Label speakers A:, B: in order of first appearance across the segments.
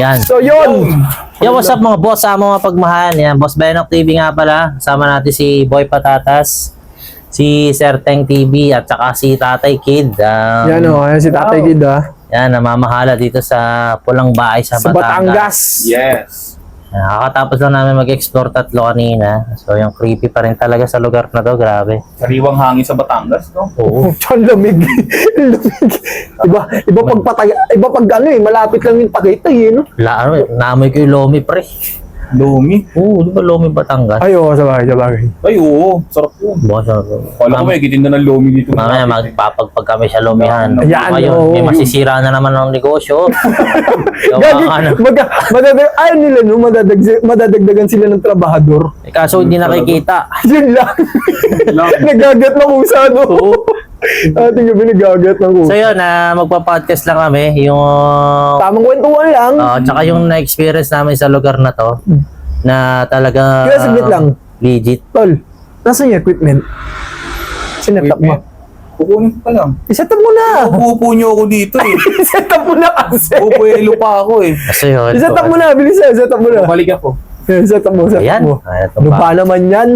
A: Yan.
B: So yun.
A: Yo, what's up mga boss? Sa mga pagmahal. Yan, Boss Benok TV nga pala. Kasama natin si Boy Patatas, si Sir Teng TV, at saka si Tatay Kid.
B: Yan o, yan si Tatay Kid
A: Yan, namamahala dito sa Pulang Bahay sa
B: Batangas.
C: Yes.
A: Nakakatapos lang namin mag-explore tatlo kanina. So, yung creepy pa rin talaga sa lugar na to. Grabe.
C: Sariwang hangin sa Batangas, no?
A: Oo.
B: Ang lamig. Lamig. Iba pag patay, iba pag malapit lang yung Tagaytay no?
A: Naamoy ko yung Lomi, pre.
C: Lumi.
A: Oo, di ba Lomi Batangas?
B: Ay, oo, sabagay.
C: Ay, oo. Sarap yun. Kala ko may gitin na ng Lumi dito.
A: Mamaya magpapagpag kami sa Lomihan.
B: Ayan,
A: Ngayon,
B: oo.
A: may masisira na naman ng negosyo.
B: Gagi,
A: ano.
B: ayaw nila no, madadagdagan sila ng trabahador.
A: Kaso hindi nakikita.
B: Yun lang. Nagagat ng usa, no? Ating gabi nagagat ng usa.
A: So yun, magpa-podcast lang kami. Yung
B: Tamang kwentuhan lang.
A: tsaka yung na-experience namin sa lugar na to, na talaga
B: Kaya saglit lang.
A: legit.
B: Tol, nasaan yung equipment? Sinetap mo.
C: Kukunin ko pa lang.
B: Iset up mo na.
C: Upo nyo ako dito eh.
B: Iset up mo na kasi.
C: Upuelo pa ako eh.
A: Kasi yun.
B: Iset up mo na, bilis na. Iset up mo na.
C: Balik ako.
B: Iset up mo, set up
A: Ayan.
B: mo.
A: Ito
B: Ano
A: pa.
B: ba naman yan?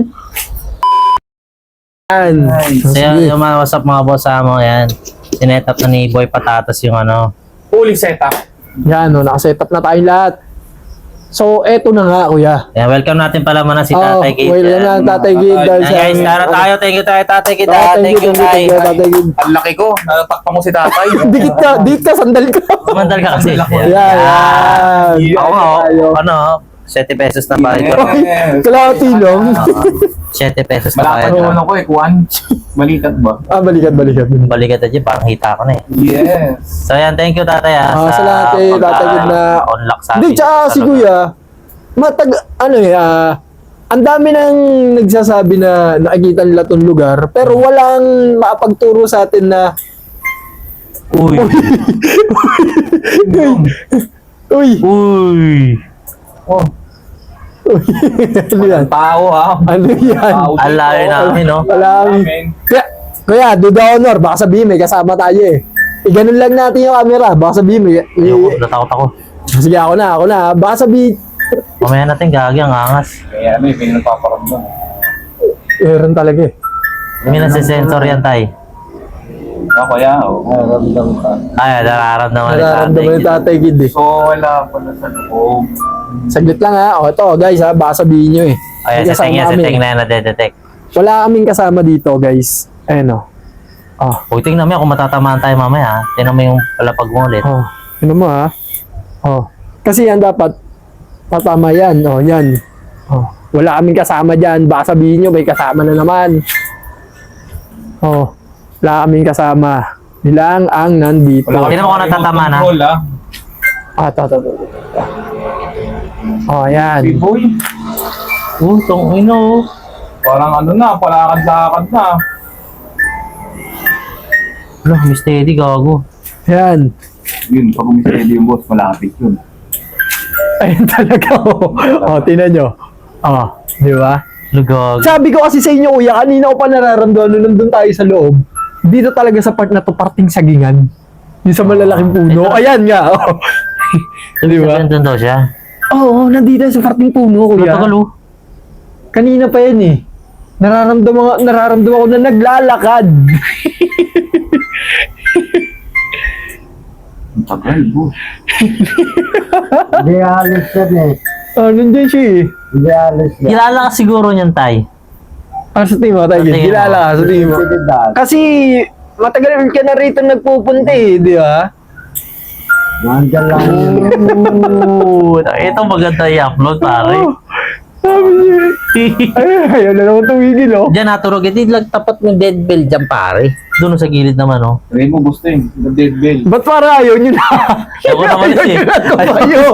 B: Yan.
A: So yun, yung mga what's up mga boss mo, yan. Sinet up na ni Boy Patatas yung ano.
C: Fully setup.
B: Yan, no, nakaset up na tayong lahat. So, eto na nga, kuya.
A: Yan, welcome natin pala muna si Tatay Kid.
B: Well na, Tatay Kid.
C: Yan,
B: dahil
A: Yan
B: sa-
A: guys, tara tayo. Thank you tayo, Tatay Kid. Thank you, Tay.
B: Tatay Kid.
C: Ang laki ko. Natatakpan ko si tatay.
B: Dikit ka, sandal ka.
A: Sumandal ka kasi.
B: Yan, yan.
A: Ako nga,
B: Tayo.
A: ano, 7 pesos na ba ito?
C: Yes.
B: Kalahati lang.
A: 7 pesos na ba
C: Malapad
A: ito?
C: yung ano ko eh, Kuan. Balikat ba?
B: Balikat.
A: Balikat na dyan, parang hita ko na eh.
C: Yes.
A: So yan, thank you Tatay
B: Sa lahat eh, Tatay Kid na...
A: unlock sa
B: Hindi,
A: amin.
B: tsaka si kuya, ang dami nang nagsasabi na nakikita nila tong lugar, pero walang makapagturo sa atin na,
A: Uy.
B: uy,
A: Uy.
C: Oh,
B: ano yan?
C: tao ha.
B: Ano yan?
C: Tao dito.
A: Alayo namin, no?
B: Alam.
C: Amen.
B: Kuya, do the honor, baka sabihin may kasama tayo eh. Iganon lang natin yung camera, baka sabihin may...
A: Ayoko, natakot ako.
B: Sige, ako na. Baka sabihin,
A: Mamaya natin gagi ang angas.
C: Kaya ano eh, may nagpaparamdam.
B: meron talaga eh.
A: May nasa-sensor yan, Tay.
C: Ako kaya, nararamdam ka.
A: Ay, nararamdaman ni
B: Nararamdaman
A: Tatay.
B: yung Tatay Kid eh.
C: So, wala pala sa loob.
B: Saglit lang ha. O, ito guys ha, baka sabihin nyo eh.
A: Ayan,
B: May
A: sa tingin,
B: kasama
A: sa
B: kami.
A: tingin na nadedetect.
B: Wala kaming kasama dito guys. Ayan o. Oh.
A: Huwag tingnan mo yan kung matatamaan tayo mamaya, ha? Tingnan mo yung palapag mo ulit.
B: Oh. Ano mo ha? Oh. Kasi yan dapat patama yan. Oh, yan. Oh. Wala kaming kasama dyan. Baka sabihin nyo may kasama na naman. Oh. Wala kaming kasama. Nilang ang nandito.
A: Tingnan mo kung natatama na.
C: Control, ah.
B: Ito. Oh, yan.
C: Si Boy,
A: Tong ino.
C: parang ano na, palakad-lakad na.
A: Wala, may steady, gago.
B: Yan.
C: Yun, pag umisready yung boss, malapit yun.
B: Ayun talaga. Oh, tinan nyo. Oh, di ba?
A: Lugag.
B: Sabi ko kasi sa inyo, kuya, kanina ko pa nararamdaman nung nandun tayo sa loob. Dito talaga sa part na to, parting sagingan. Yung sa malalaking puno.
A: Ito.
B: Ayan nga. Oh. Di ba?
A: Nandun daw siya.
B: Oo, nandito sa parting puno, kuya.
A: Matagal, oh.
B: Kanina pa yan eh. Nararamdaman ko na naglalakad.
C: Ang tagal, boss.
D: Hindi alis yan eh.
B: Oh, nandyan siya eh.
D: Hindi alis yan.
A: Kilala ka siguro niyan, Tay.
B: Sa tingin mo, tayo.
A: Sa tingin mo.
B: Kilala ka, sa tingin mo.
D: Tinidad.
B: Kasi, matagal ka na rito nagpupunta eh, di ba?
D: Nandyan lang yun.
A: Ooh, ito maganda i-upload, pare.
B: Sabi niya. Ayaw na naman tumigil, oh.
A: Diyan naturog, hindi lang tapat ng dead bell dyan, pare. Doon sa gilid naman, oh.
C: Sabihin mo, gusto yun. The dead bell.
B: Ba't para ayaw nyo na?
A: Ako naman eh.
B: Ayaw.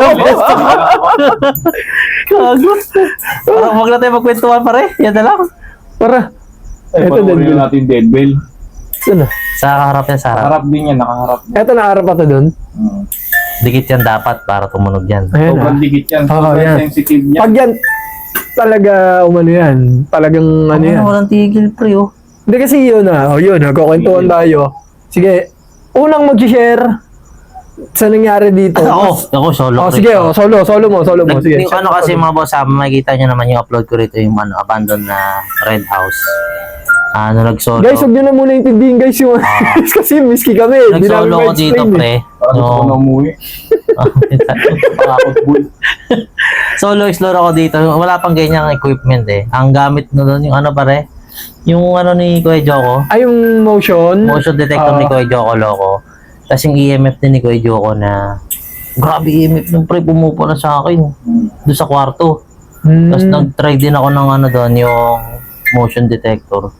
A: Gago. Parang wag na tayo magkwentuhan, pare. Yan na lang.
B: Para.
C: Ay,
B: Ito, dead
C: panoorin
B: bell.
C: natin yung dead bell.
B: Saan na?
A: Sa harap yan, sa harap.
C: Nakaharap din yan, nakaharap.
B: Eto, nakaharap pa to doon.
A: Dikit yan dapat para tumunog yan.
B: Ayan
C: Sobrang
B: ah.
C: digit yan.
B: Oo,
C: Sobrang
B: yan.
C: sensitive niya.
B: Pag yan, talaga, umano yan. Talagang ano yan.
A: Walang tigil, pre, oh.
B: Hindi kasi yun ah. O yun, nagkukwentuhan tayo. Sige, unang mag-share, sa nangyari dito.
A: Ako solo.
B: Oh, sige, oh, solo mo. Sige.
A: Yung ano kasi mga boss, makikita nyo naman yung upload ko rito yung abandoned na red house. Nag-solo.
B: Guys, huwag nyo na muna intindihin guys yung kasi miski kami. Hindi namin
A: Nag-solo ko dito,
B: ma-explain,
A: pre.
C: Parang gusto ko na umuwi. Pakakot boy.
A: Solo explore ako dito. Wala pang ganyang equipment eh. Ang gamit na doon yung ano pare, yung ano ni Kuya Joko.
B: Ay, yung motion.
A: Motion detector ni Kuya Joko Loco. Tapos yung EMF din ni Kuya Joko na grabe EMF nung pre pumupo na sa akin doon sa kwarto. Tapos nag-try din ako ng ano doon yung motion detector.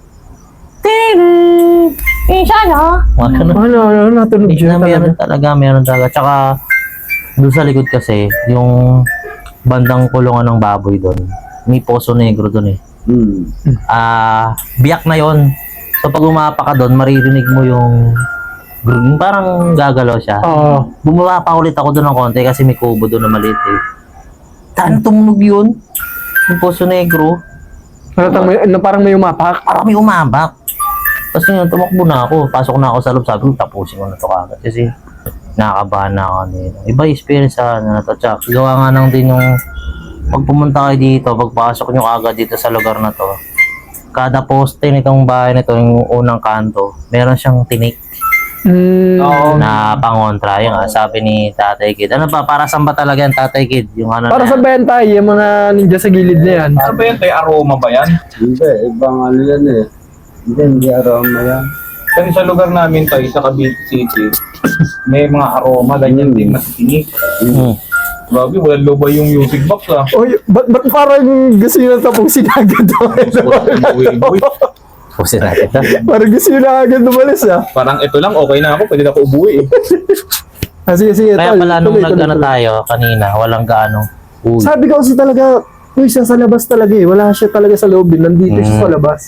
B: Ano, natunog siya talaga.
A: Meron talaga. Tsaka doon sa likod kasi yung bandang kulungan ng baboy doon. May Poso Negro doon eh. Biyak na yon. So pag umapa ka doon, maririnig mo yung parang gagalaw siya.
B: Oo.
A: Bumaba pa ulit ako doon ng konti kasi may kubo doon na maliit eh. Saan tumunog yun? Yung Poso Negro.
B: Parang may umapak.
A: Parang may umabak. Tapos yun, tumakbo na ako. Pasok na ako sa loob. Sabi ko, tapusin ko na ito kagad. Kasi nakakabahan na ako nito. Iba yung experience sa ano na to. Tsaka gawa nga nang din yung pag pumunta kayo dito, pagpasok nyo agad dito sa lugar na to, kada poste nitong bahay nito, yung unang kanto, meron siyang tinik. Na pangontra yung sabi ni Tatay Kid. Ano ba, para saan ba talaga yan, Tatay Kid? Yung ano
B: Para
A: na
B: sa
A: yan?
B: benta, yung mga ninja sa gilid na yan.
C: Ano ba yan? Tay aroma ba yan?
D: Hindi, ibang ano yan eh. Hindi aroma yan.
C: Kasi sa lugar namin tayo, sa Cavite City, may mga aroma, ganyan din, matinig. Grabe, walang loba yung music box ah.
B: Oy, ba't parang gusto nyo na tapong sinagad
C: Boy.
A: Pusin natin ito.
B: Parang gusto nyo na agad umalis ah.
C: Parang ito lang, okay na ako, pwede na ako umuwi eh.
B: Sige.
A: Kaya
B: tol,
A: pala nung
B: tuloy.
A: nag-ano tayo kanina, walang gaano. Uy.
B: Sabi ko kasi talaga, siya sa labas talaga eh. Wala siya talaga sa loob eh. Nandito siya sa labas.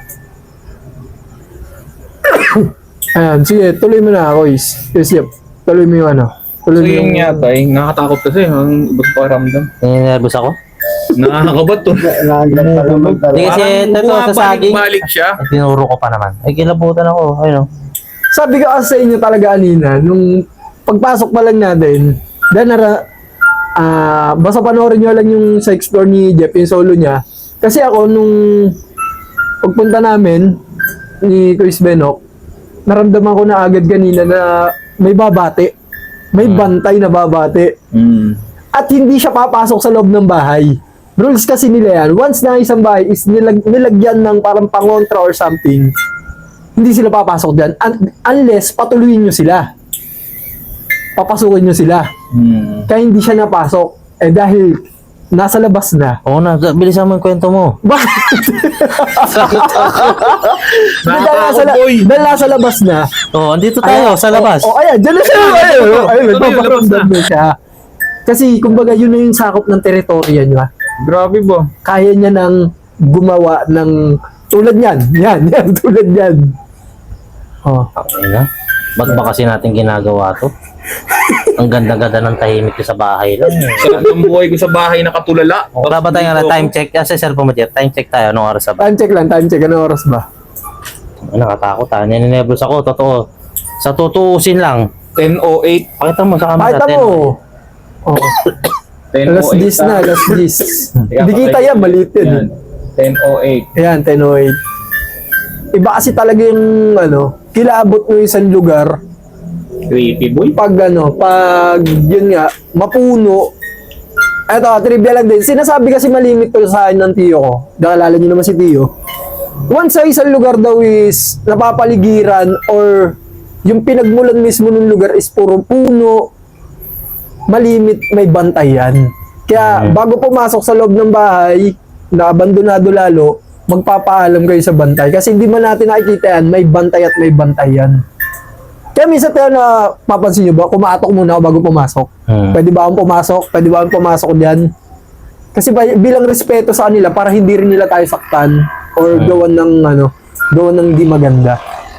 B: Ayan, sige, tuloy mo na ako, Is. Yep, tuloy mo yung ano.
C: So yun nga tay, nakakatakot kasi, ang ibang pakiramdam.
A: Nervous ako?
C: Nakakabat to.
D: Nandiyan pa naman
A: Hindi
D: talaga.
A: kasi ito sa saging.
C: bumabalik siya.
A: Ay, tinuro ko pa naman. Ay, kilabutan ako. Ayun.
B: Sabi ko kasi sa inyo talaga, Alina, nung pagpasok pa lang natin, basta panoorin nyo lang yung sa explore ni Jeff, yung solo niya. Kasi ako, nung pagpunta namin ni Chris Benok, naramdaman ko na agad kanina na may babate. May bantay na babate. At hindi siya papasok sa loob ng bahay. Rules kasi nila yan. Once na isang bahay is nilagyan ng parang pangontra or something, hindi sila papasok dyan. Unless patuloyin nyo sila. Papasukin nyo sila. Kaya hindi siya napasok. Eh dahil nasa labas na.
A: Oo na, bilisan mo yung kwento mo.
B: Bakit?
C: Nakakatakot boy.
B: Dahil nasa labas na.
A: Oo, andito tayo sa labas.
B: Ayan, dyan na siya. Ayun,
C: Tuloy, labas na.
B: nagpaparamdam na siya. Kasi, kumbaga, yun na yung sakop ng teritorya niya.
C: Grabe ba?
B: Kaya niya nang gumawa ng tulad niyan. Yan, tulad niyan. Oh.
A: Okay na. Ba't ba kasi natin ginagawa to? Ang ganda-ganda ng tahimik ko sa bahay lang.
C: Sarap ng buhay ko sa bahay nakatulala.
A: Wala ba tayo nga time check? Kasi cellphone mo dyan, time check tayo. Anong oras na ba?
B: Time check. Anong oras ba?
A: Nakatakot ha. Nininebros ako, totoo. Sa tutuusin lang.
C: 10:08.
A: Pakita mo sa camera.
B: Pakita mo. Oh.
C: 10:08.
B: Alas 10 na, alas 10. Hindi kita yan, maliit
C: Yan.
B: yun.
C: 10:08.
B: Ayan, 10:08. Iba kasi talaga yung, kilaabot mo yung isang lugar.
C: Creepy boy.
B: Pag yun nga, mapuno. Eto, trivia lang din. Sinasabi kasi malimit to sa akin ng tiyo ko. Nakalala niyo naman si tiyo. Once sa isang lugar daw is napapaligiran or yung pinagmulan mismo ng lugar is puro puno, malimit, may bantayan. Kaya bago pumasok sa loob ng bahay, na abandonado lalo, magpapaalam kayo sa bantay. Kasi hindi man natin nakikita yan, may bantay at may bantayan. Kaya minsan tayo na papansin nyo ba, kumatok muna ako bago pumasok. Pwede ba akong pumasok? Pwede ba akong pumasok dyan? Kasi bilang respeto sa kanila, para hindi rin nila tayo saktan or gawan ng hindi maganda.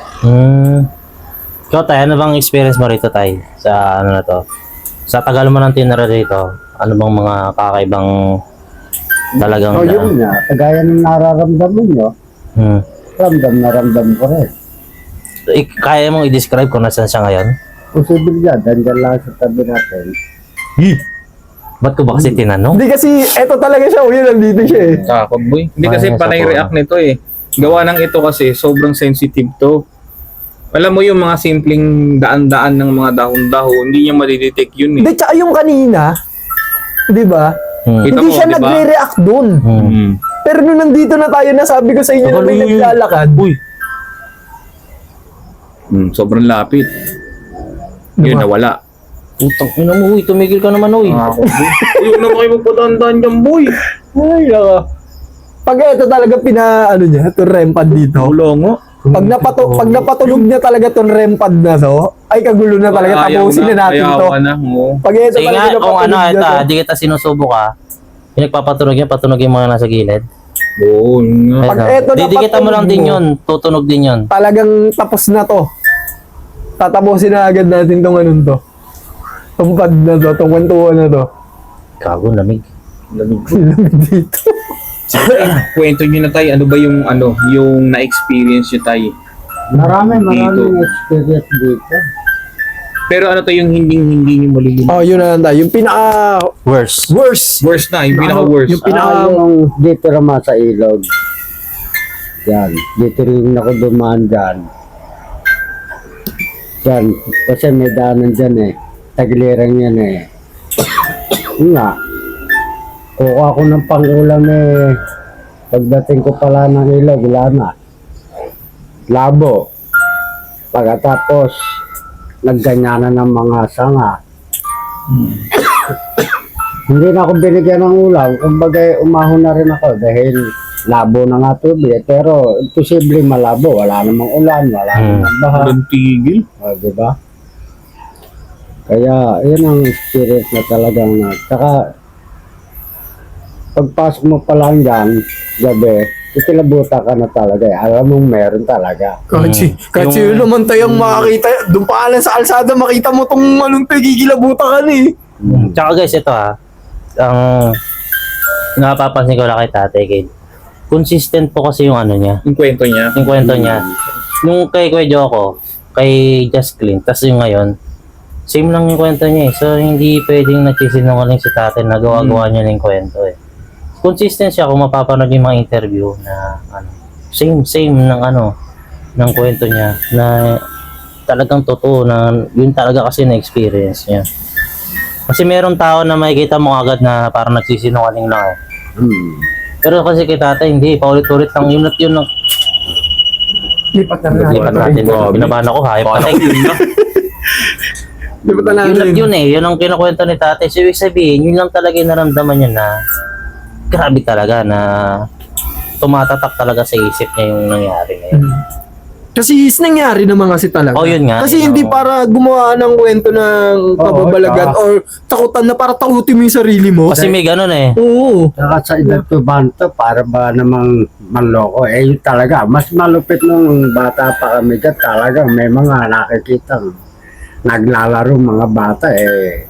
A: So tayo, ano bang experience mo rito tayo? Sa ano na to? Sa tagal mo ng tinira rito, ano bang mga kakaibang talagang
D: Yun nga, kagaya ng nararamdaman nyo, ramdam ko rin.
A: Kaya mong i-describe kung nasan siya ngayon?
D: posibilidad, andyan lang sa tabi natin.
A: Ba't ko ba kasi tinanong?
B: Hindi kasi, eto talaga siya, yun, nandito siya eh.
C: Takot boy. Hindi kasi
A: Ay,
C: panay
A: sakot.
C: react nito eh. Gawa ng ito kasi sobrang sensitive to. Alam mo yung mga simpleng daan-daan ng mga dahon-dahon, hindi niya madidetect yun eh.
B: Hindi, tsaka yung kanina, di ba?
C: Kita
B: Hindi
C: mo,
B: siya
C: di ba?
B: nagre-react dun.
C: Mm.
B: Pero nung nandito na tayo, nasabi ko sa inyo na may naglalakad.
A: Uy,
C: Sobrang lapit. Yun,
B: Diba?
C: nawala.
A: putang ina mo, uy, tumigil ka naman, uy.
C: Yun na kayo magpadaan-daan dyan, boy.
B: Ay, naka. Pag ito talaga ano niya, itong rempad dito.
C: Wala nga.
B: Pag napatulog niya talaga itong rempad na to, ay kagulo na talaga,
C: Ayaw
B: tapusin na natin
C: ayaw
B: to.
C: ka na, oo.
B: Pag ito
A: Sige
B: talaga
A: nga, kung ano,
B: napatulog
A: ito,
B: niya to.
A: di kita sinusubo ka. Yung nagpapatunog yan, patunog yung mga nasa gilid.
C: Oo, yun nga.
B: Pag
A: Ayun,
B: eto
A: didikita mo
B: napatunog
A: lang din
B: mo.
A: yun, tutunog din yun.
B: Talagang tapos na to. Tatapusin na agad natin tong anong to. Tong pad na to, tong kwentuhan na to.
A: Gago, lamig.
B: Lamig dito.
C: Kwento nyo na tayo, ano ba yung na-experience nyo tayo?
D: Maraming
C: Dito.
D: experience dito.
C: Pero ano to yung hindi nyo malilimutan?
B: Oh, yun na lang tayo. Yung
A: Worse.
B: worst.
C: Worst na, yung pinaka-worst.
B: Yung
D: Yung dito naman sa ilog. Yan. Dito rin ako dumaan dyan. Yan. Kasi may daanan dyan eh. Tagiliran yan eh. Yun nga. Kuha ako ng pangulam eh. Pagdating ko pala ng ilog, wala na. Labo. Pagkatapos, nagganyanan ng mga sanga. Hindi na ako binigyan ng ulam. Kumbaga, umahon na rin ako dahil labo na nga tubig. Pero, imposible malabo. Wala namang ulan, wala namang baha.
C: Walang tigil.
D: O, diba? Kaya, yun ang experience na talagang na. Tsaka, pagpasok mo pa lang dyan, gabi, ikilabuta ka na talaga. Alam mong meron talaga.
B: Kahit sino naman tayong makakita, doon pa lang sa kalsada, makita mo tong anong gigilabuta ka na eh.
A: Tsaka guys, ito ang napapansin ko lang kay Tate Kid. Consistent po kasi yung ano niya,
C: Yung kwento niya.
A: yung kwento niya. Nung kay Kuya Joko, kay Just Clean, tas yung ngayon, same lang yung kwento niya eh. So, hindi pwedeng nagsisinungaling si Tate na gawa-gawa niya ng kwento eh. Consistent siya kung mapapanood yung mga interview na same ng kwento niya na talagang totoo na yun talaga kasi na experience niya. Kasi meron tao na makikita mo agad na parang nagsisinungaling lang eh. Pero kasi kay Tatay hindi, paulit-ulit lang yun at yun lang.
B: Lipat na
A: Lipat natin. Binabahan ako, hayop patay.
B: Lipat na
A: Yun at
B: natin.
A: yun eh, yun ang kinukwento ni Tatay. So, ibig sabihin, yun lang talaga yung naramdaman niya na grabe talaga na tumatatak talaga sa isip niya yung nangyari ngayon.
B: Kasi nangyari naman kasi talaga.
A: Oh, yun nga.
B: Kasi
A: Yun
B: hindi
A: ang-
B: para gumawa ng kwento ng kababalagan
D: tsaka-
B: or takutan na para takutin mo yung sarili mo.
A: Kasi may ganun eh.
B: Oo.
D: Saka sa edad ko banto, para ba namang manloko? Eh, yun talaga. Mas malupit nung bata pa kami dyan. Talagang may mga nakikita naglalaro mga bata eh.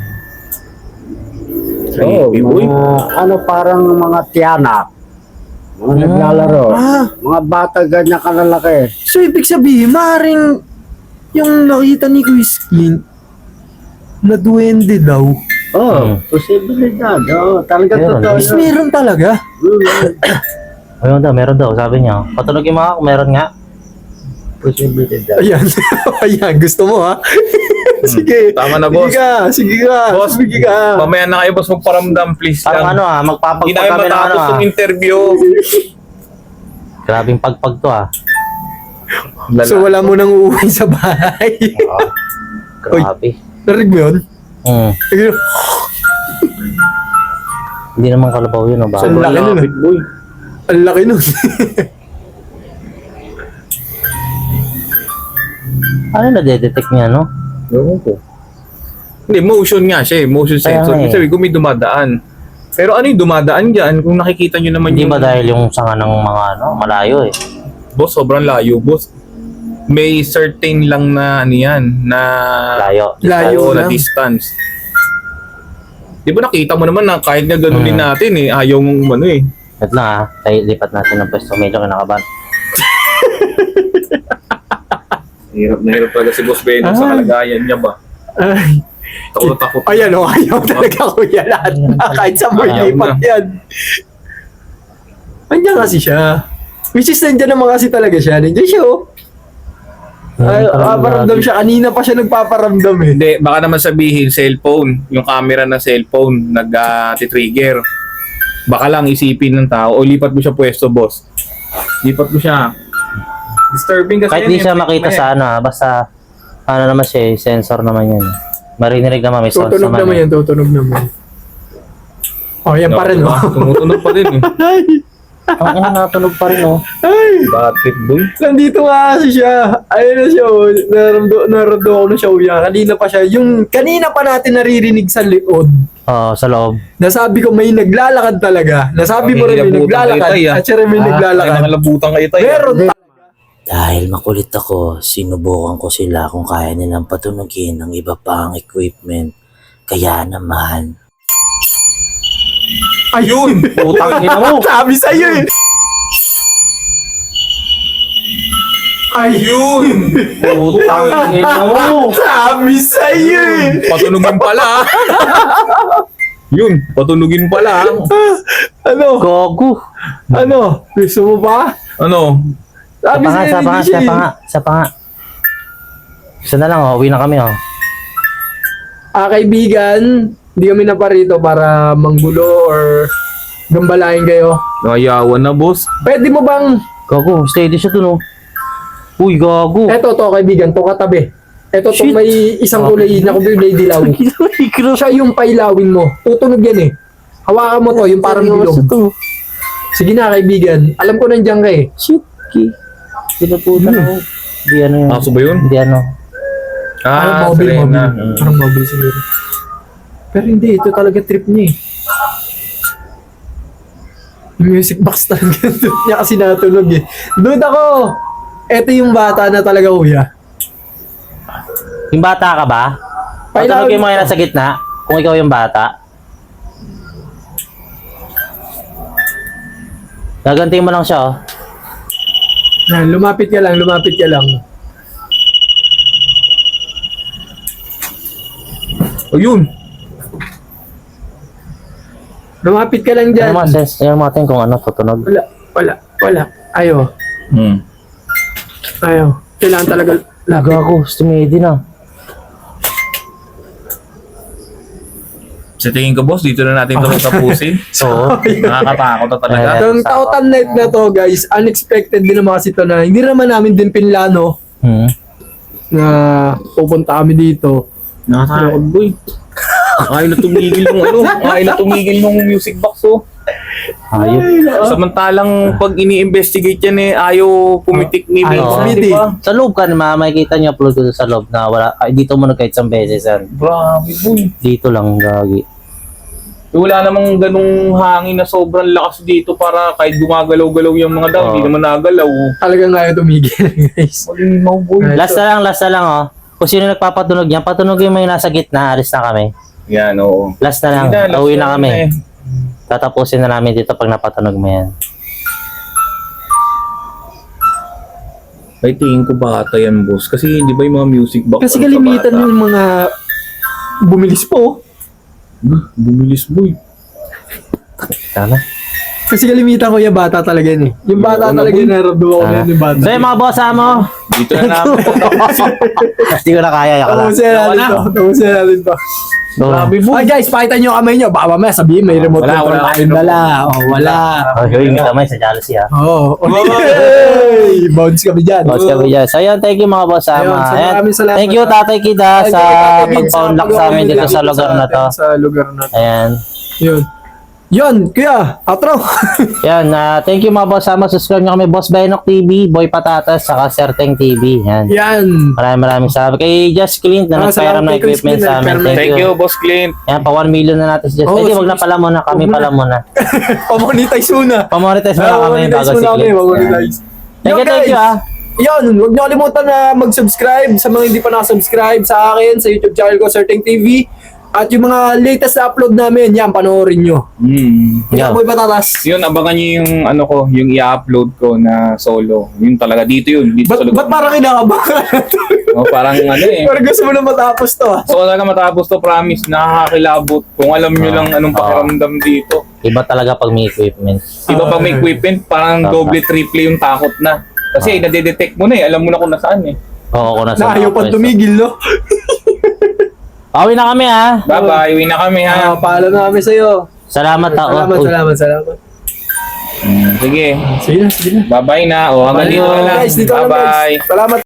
C: Creepy, boy.
D: Ano parang mga tiyanak. Mga naglalaro.
B: Ah,
D: Mga bata ganyan kalalaki.
B: so ibig sabihin, maaaring yung nakita ni Chris Clint na duwende daw.
D: Oh, posibilidad. Oh, talaga
A: Meron.
D: totoo
B: Is
D: yun.
B: meron talaga.
A: Meron daw, sabi niya. Patunog yung mga, meron nga.
D: Posibilidad.
B: Ayan. Ayan, gusto mo ha? Sige.
C: Tama na, boss.
B: Sige ka.
C: Boss,
B: Sige ka.
C: mamaya na kayo, boss, magparamdam, please
A: Parang
C: lang.
A: magpapagpag
C: Hindi namin
A: kami ng
C: matapos yung interview.
A: Grabing pagpag to
B: So wala mo nang uuwi sa bahay.
A: Grabe.
B: Narinig mo yun? Ayun.
A: Hindi naman kalabaw yun, ba?
B: Ang laki nun.
C: Lapit, boy.
B: Ang laki nun.
A: Ano na-detect niya, no?
C: Ewan ko. Hindi, motion nga siya eh. Motion
A: Kaya
C: sensor.
A: nga eh.
C: Ibig sabihin kung may dumadaan. Pero ano yung dumadaan dyan? Kung nakikita nyo naman
A: Hindi
C: yung...
A: ba dahil yung sanga ng mga malayo eh?
C: Boss, sobrang layo, boss. May certain lang na ano yan, na...
A: Layo.
B: Layo
C: Oo, na
B: lang.
C: distance. Di ba nakita mo naman na kahit nga ganunin natin eh, ayaw mong ano eh.
A: Wait lang tayo lipat natin ng pwesto. Medyo kinakabahan.
C: Hirap na hirap talaga si Boss Benong sa kalagayan niya ba?
B: Ay.
C: Takot.
B: Ayan o, ayaw talaga kuya lahat. Kahit sa mo
C: Ayaw
B: lipat
C: na.
B: yan. Andiyan kasi siya. Which is nandiyan naman kasi talaga siya. Nandiyan siya oh. Ay, paparamdam siya. Kanina pa siya nagpaparamdam eh.
C: Hindi, baka naman sabihin cellphone, yung camera ng cellphone nag-trigger. Baka lang isipin ng tao, o lipat mo siya pwesto, boss. Lipat mo siya. Disturbing kasi
A: Kahit
C: yan,
A: di siya
C: eh.
A: makita sa ano, basta ano naman siya, sensor naman yan. Marinirig naman, may sounds
B: Tutunog naman
A: naman.
B: yan, tutunog naman. Oh, yan pa rin
C: diba?
B: oh.
C: Tumutunog pa din eh.
B: Ay,
A: Ang ina, natunog pa rin, oh.
B: ay.
C: Bakit, boy?
B: Nandito nga kasi siya. Ayun na siya oh. Naramdo ko na siya oh. Yan. Kanina pa siya. Yung kanina pa natin naririnig sa likod.
A: Oo, sa loob.
B: Nasabi ko may naglalakad talaga. Nasabi mo rin may
C: Nilabutan
B: naglalakad.
C: kayo, tay, ah.
B: At siya rin may
C: Ay,
B: naglalakad.
C: nakalabutan kayo tayo.
B: Meron
E: Dahil makulit ako, sinubukan ko sila kung kaya nilang patunugin ng iba pang equipment. Kaya naman,
B: Ayun!
A: Putang ina mo!
B: Sabi sa'yo eh! Ayun!
A: Putang ina mo!
B: Sabi sa'yo eh!
C: Patunugin pala. Yun, patunugin pala.
B: Ano?
A: Gogo!
B: Ano? Gusto mo ba?
C: Ano?
B: Sabi sa'yo
A: Sa
B: hindi siya eh.
A: pa nga. Isa na lang, oh. Uwi na kami, oh.
B: Kaibigan, hindi kami naparito para manggulo or gambalain kayo.
C: Nakayawan na, boss.
B: Pwede mo bang,
A: Gogo, steady siya dun, oh. Uy, gago!
B: eto to kaibigan, to katabi. Eto to
A: Shit.
B: may isang kulay na kulay dilaw. Siya yung pailawin mo. Tutunog yan eh. Hawakan mo to, yung parang bilog. Sige na kaibigan, alam ko nandiyan ka eh.
A: Shit, ki. Pinaputan ako. Di ano yun.
C: Aso ba yun?
A: Di ano.
B: Parang
C: Ah,
B: mobile,
C: Serena.
B: mobile. Parang mobile siguro. Pero hindi, ito talaga trip niya eh. Yung music box talaga. Trip niya kasi natunog eh. Dude ako! Ito yung bata na talaga kuya.
A: Yung bata ka ba?
B: Pailawin
A: Patunogin mo
B: mo.
A: yan sa gitna. Kung ikaw yung bata. Gagantiin mo lang siya, oh.
B: Yan, lumapit ka lang, lumapit ka lang.
C: O yun.
B: Lumapit ka lang dyan.
A: Ano mga sense? Tingnan natin kung ano, tutunog.
B: Wala. Ayaw. Ayaw. Kailangan talaga lapit.
A: Gago, stumedi na.
C: Sa tingin ko, boss, dito na natin ito tapusin.
A: Oo.
C: Nakakatakot na talaga.
B: Itong Tautan Night na to guys, unexpected din naman kasi ito na hindi naman namin din pinlano
A: Hmm.
B: na pupunta kami dito.
C: Nakakatakot, boy. Ayaw na tumigil nung ano. Ayaw na tumigil nung music box, oh.
A: Ayop.
C: Samantalang pag ini-investigate yan eh, ayaw pumitik ni
B: Ayaw
C: Vincent,
B: pumitik.
C: di ba?
A: Sa loob ka naman, makikita niyo upload ko sa loob na wala. Ay, dito mo na kahit isang beses yan.
C: Grabe, boy.
A: Dito lang, gagi.
C: Wala namang ganung hangin na sobrang lakas dito para kahit gumagalaw-galaw yung mga daw, hindi naman nagalaw.
B: Talagang ayaw tumigil guys.
C: Malimaw, boy.
A: Last na lang, oh. Kung sino nagpapatunog yan, patunogin mo yung nasa gitna, alis na kami.
C: Yan, oo.
A: Last na lang,
C: Sige last
A: uwi na kami.
C: eh.
A: Tatapusin na namin dito pag napatunog mo yan.
C: Ay, tingin ko bata yan, boss. Kasi di ba yung mga music box?
B: Kasi
C: ano,
B: kalimitan
C: sa bata?
B: yung mga bumilis po.
C: Bumilis, boy.
A: Tama.
B: Kasi kalimitan ko yung bata talaga yun eh. Yung bata
C: Oo,
B: talaga
C: boy.
B: yung naramdaman ko na yun yung bata.
A: So yung mga boss mo,
C: Dito na namin.
A: hindi ko na kaya, yaka lang.
B: Tapusin natin to. Tapusin natin to.
C: Grabe, boy.
B: Ay guys, pakita nyo yung kamay nyo. Baka mamaya sabihin may remote
C: Wala,
B: control
C: wala
B: tayong
C: remote.
B: dala. Oh, wala.
A: Oh, yung kamay sa jealousy, ha.
B: Oh, okay. Bounce kami dyan.
A: Boss kami dyan. So yun, thank you mga boss
B: Ayun,
A: ama.
B: so
A: Ayan.
B: maraming salamat.
A: Thank you Tatay Kida
B: Thank you,
A: sa
B: Tatay Kid,
A: pagpa-unlock sa amin dito sa lugar na to.
B: Sa lugar na to.
A: Ayan.
B: Yun. Yun, kuya, outro.
A: Yan, thank you mga boss ama. Subscribe nyo kami, Boss Benok TV, Boy Patatas, saka Serteng TV. Yan.
B: Yan.
A: Maraming salamat. Kay Just Clint na nagpairam
B: salamat
A: ng
B: kay Chris
A: equipment
B: Clint,
A: sa amin.
B: nagpairam.
C: Thank you, Boss Clint.
A: Yan, pa 1 million na natin si Just.
B: Oh,
A: Hindi, wag
B: sige.
A: na pala muna. Kami
B: Wag muna.
A: pala muna.
B: Pamonetize muna.
A: Pamonetize muna kami bago si Clint.
B: Pamonetize.
A: Thank you, thank you, ah.
B: Yun, huwag niyo kalimutan na mag-subscribe sa mga hindi pa nakasubscribe sa akin, sa YouTube channel ko, Serteng TV. At yung mga latest na upload namin, yan, panoorin nyo.
A: Yeah.
B: Boy Patatas.
C: Yun, abangan nyo yung ano ko, yung i-upload ko na solo. Yun talaga, dito yun. Dito sa lugar.
B: Ba't parang kinakabahan?
C: Oh, parang ano eh.
B: Parang gusto mo na matapos to ah.
C: So talaga matapos to, promise, nakakakilabot. Kung alam nyo lang anong pakiramdam dito.
A: Iba talaga pag may equipment.
C: Iba pag may equipment, parang doble, triple yung takot na. Kasi nadedetect mo na eh, alam mo na kung nasaan eh.
A: Oo, kung nasa
B: Na ayaw
A: mga
B: pang
A: pwesto.
B: tumigil, no?
A: Pauwi na kami ha.
C: Bye-bye, uwi na kami ha.
B: Paalam na kami sa'yo.
A: Salamat ha.
B: Salamat.
C: Sige,
B: Sige na.
C: bye-bye na. O, hanggang dito na lang.
B: Guys, dito lang guys.
C: Bye-bye.
B: Salamat.